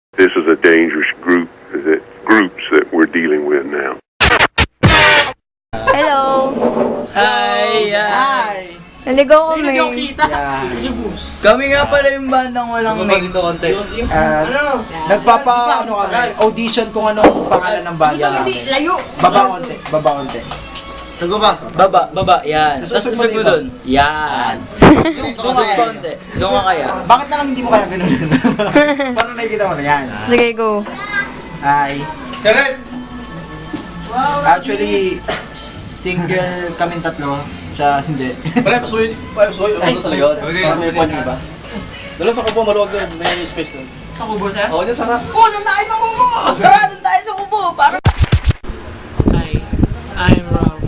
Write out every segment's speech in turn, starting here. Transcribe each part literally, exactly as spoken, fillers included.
This is a dangerous group that groups that we're dealing with now. Hello! Hi! Hi! Naligaw kami. Hindi ko kita. Kami nga pala yung bandang walang name. Uh, nagpapa ano kami, audition kung anong pangalan ng banda namin. Layo! Baba konti, baba konti. Sago ba? Baba, baba, yan. Tapos Usog mo usog mo dito. dun. Yan. Doon ka konti. Doon ka kaya. Bakit na lang hindi mo kaya ganun? Paano nakikita mo na yan? Sige, go. Hi. Actually, single kaming tatlo. Siya hindi. Pre, pasuy. Pasuy. Ano sa likod? Okay, Para may okay. pon yung iba. Dalo sa kubo, maluwag doon. May space doon. Sa kubo siya? Oo, dyan sarap. Oh, doon tayo sa kubo! Tara, doon tayo sa kubo! Para... Hi, I'm Rob.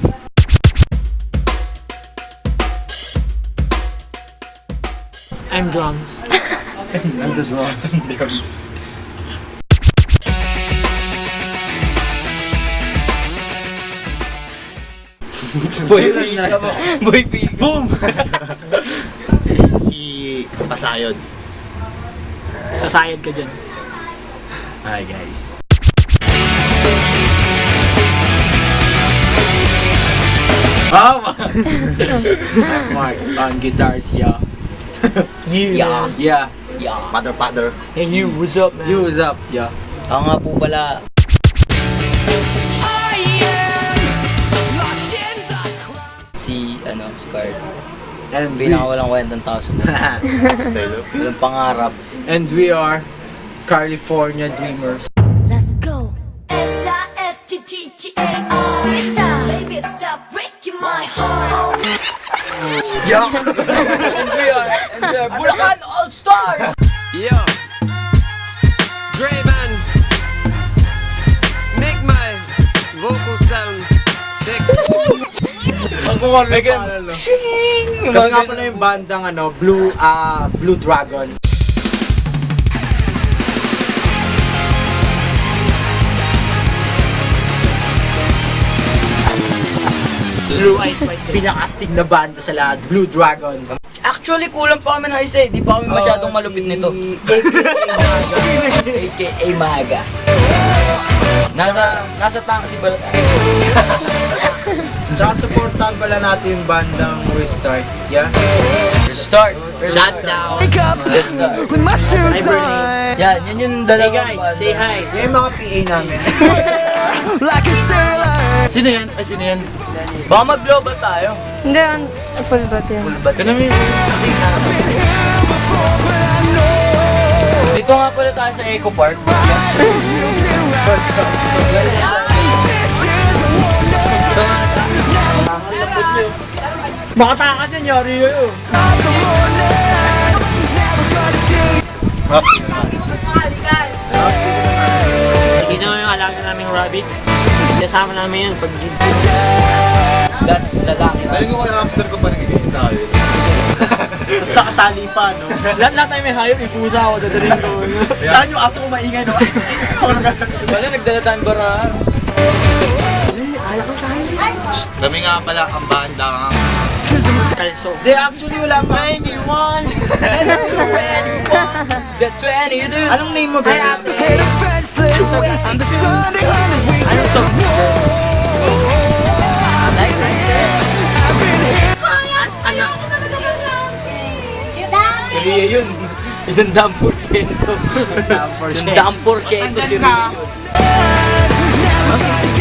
I'm drums. I'm the drone. Boy, pika mo. Boy, pika. Boom! Si Pasayod. Sasayad ka dyan. Hi guys. Oh! Mark on guitars, yeah. Yeah. Yeah. Yeah. Father, father. Hey you, what's up man? You, what's up? Yeah. Ako nga po pala. Si, ano, si Card. And we, Pinakawalang kwentang tao sa mundo. Walang pangarap. and we are California Dreamers. Let's go. S I S T T T A R. Sister, baby, stop breaking my heart. Yeah. And we are, and we are Bulacan All-Stars! Yo, Grayman, make my vocal sound sexy. Pagkukuha na Megan, yung no? Shing! Kami nga pala yung bandang ano, Blue, ah, Blue Dragon. Blue Eyes White Day. Pinakastig na banda sa lahat, Blue Dragon. Actually, kulang pa kami ng isa eh. Di pa kami masyadong Oh, malupit nito. A K A A K A Maga. Nasa, nasa tanga si Balat. Tsaka supportan pala natin yung bandang Restart. Yeah? Restart. Restart. down. Restart. With my shoes on, Yan, yan yung Hey dalawang guys, banda. say hi. Yan yung mga P A namin. like a sailor. Sino yan? Ay, sino yan? Baka mag-global tayo. Hindi, an- full bat yan. Ba't Ganun yun. dito nga pala tayo sa Eco Park. Baka takas yan, yari yun. Nakita mo yung alaga naming rabbit. Kasama namin yan pag That's the lucky Dahil ko kaya hamster ko pa nagiging tayo. Tapos nakatali pa, no? lahat-lahat tayo may hayop, ipusa ako, dadaling ko. Saan yung aso ko maingay, no? Wala, nagdala tayong baraan. Kami nga pala ang banda ng Kalso. They actually wala pa. twenty-one! The twenty, dude. Anong name mo, ba? Hey, the fenceless. I'm the Sunday hunters. We Sabihin yun. Isang dam porsyento. Isang dam porsyento si Rio.